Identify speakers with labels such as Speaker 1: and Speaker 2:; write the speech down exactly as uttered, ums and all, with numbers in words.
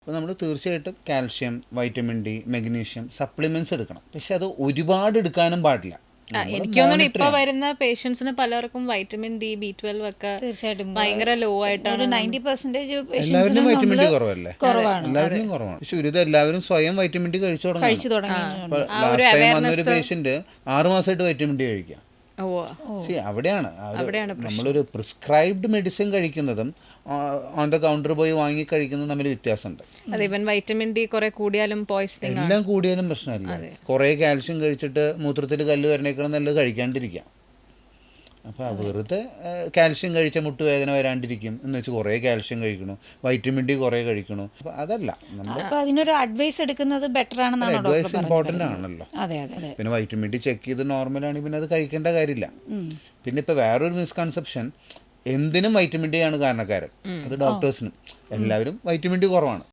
Speaker 1: അപ്പോൾ നമ്മൾ തീർച്ചയായിട്ടും calcium, vitamin D, magnesium supplements എടുക്കണം. പക്ഷെ അത് ഒരുപാട് എടുക്കാനും പാടില്ല.
Speaker 2: എനിക്ക് തോന്നുന്നു ഇപ്പൊ വരുന്ന പേഷ്യൻസിന് പലർക്കും വൈറ്റമിൻ ഡി, ബി ട്വൽവ് ഒക്കെ
Speaker 3: തീർച്ചയായിട്ടും
Speaker 2: ഭയങ്കര ലോ ആയിട്ടാണ്.
Speaker 3: നയൻറ്റി പെർസെന്റേജ്
Speaker 1: എല്ലാവരും വൈറ്റമിൻ ഡി കുറവല്ലേ?
Speaker 3: കുറവാണ്.
Speaker 1: എല്ലാവരും കുറവാണ്. പക്ഷെ ഒരു എല്ലാവരും സ്വയം വൈറ്റമിൻ ഡി കഴിച്ചു തുടങ്ങി.
Speaker 3: കഴിച്ചു തുടങ്ങി.
Speaker 1: ലാസ്റ്റ് ടൈം വന്നൊരു പേഷ്യന്റ് ആറു മാസമായിട്ട് വൈറ്റമിൻ ഡി കഴിക്കാം. സി അവിടെയാണ് നമ്മളൊരു പ്രിസ്ക്രൈബ്ഡ് മെഡിസിൻ കഴിക്കുന്നതും ഓൺ ദ കൗണ്ടർ പോയി വാങ്ങി കഴിക്കുന്നതും തമ്മിൽ വ്യത്യാസമുണ്ട്.
Speaker 2: അതെ, ഇവൻ വൈറ്റമിൻ ഡി കുറെ കൂടിയാലും പോയിസണിങ്
Speaker 1: എല്ലാം കൂടിയാലും പ്രശ്നമില്ല. കുറേ കാൽഷ്യം കഴിച്ചിട്ട് മൂത്രത്തിൽ കല്ല് വരണേക്കണം നല്ലത് കഴിക്കാണ്ടിരിക്കാം. അപ്പോൾ വെറുതെ കാൽഷ്യം കഴിച്ച മുട്ടുവേദന വരാണ്ടിരിക്കും എന്ന് വെച്ച് കുറേ കാൽഷ്യം കഴിക്കണു, വൈറ്റമിൻ ഡി കുറേ കഴിക്കണു. അപ്പോൾ അതല്ല,
Speaker 3: അപ്പോൾ അതിനൊരു അഡ്വൈസ് എടുക്കുന്നത് ബെറ്റർ ആണെന്നാണ്
Speaker 1: അഡ്വൈസ് ഇമ്പോർട്ടൻ്റ് ആണല്ലോ.
Speaker 3: അതെ അതെ.
Speaker 1: പിന്നെ വൈറ്റമിൻ ഡി ചെക്ക് ചെയ്ത് നോർമലാണെങ്കിൽ പിന്നെ അത് കഴിക്കേണ്ട കാര്യമില്ല. പിന്നെ ഇപ്പോൾ വേറൊരു മിസ്കൺസെപ്ഷൻ, എന്തിനും വൈറ്റമിൻ ഡി ആണ് കാരണക്കാരൻ. അത് ഡോക്ടേഴ്സിനും എല്ലാവരും വൈറ്റമിൻ ഡി കുറവാണ്.